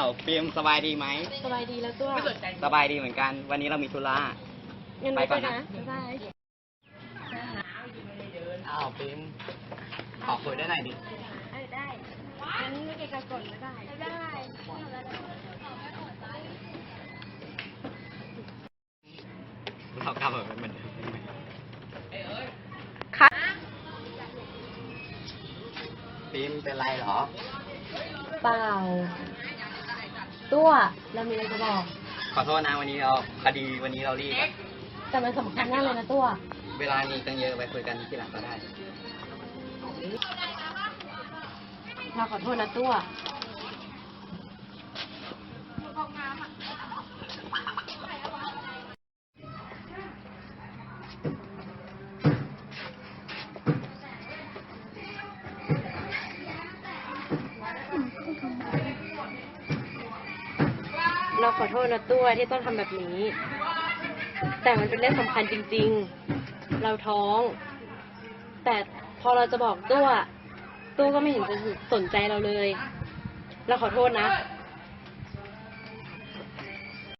ฟิล์มสบายดีไหมสบายดีแล้วตัวสบายดีเหมือนกัน วันนี้เรามีธุระงั้นไปก่อนนะบ๊ายบายอ้าวฟิล์มขอคุยได้หน่อยดิได้งั้นไม่เกะกะก่อนบ๊ายบายได้เรากลับมาเป็นเหมือนเดิมค่ะฟิล์มเป็นไรเหรอเปล่าตัวเรามีอะไรจะบอกขอโทษนะวันนี้วันนี้เรารีบอะแต่มันสำคัญมากเลยนะตัวเวลามีตั้งเยอะไปคุยกันที่หลังก็ได้เราขอโทษนะตัวเราขอโทษนะตัวที่ต้องทำแบบนี้ แต่มันเป็นเรื่องสำคัญจริงๆ เราท้อง แต่พอเราจะบอกตัวก็ไม่เห็นจะสนใจเราเลย เราขอโทษนะ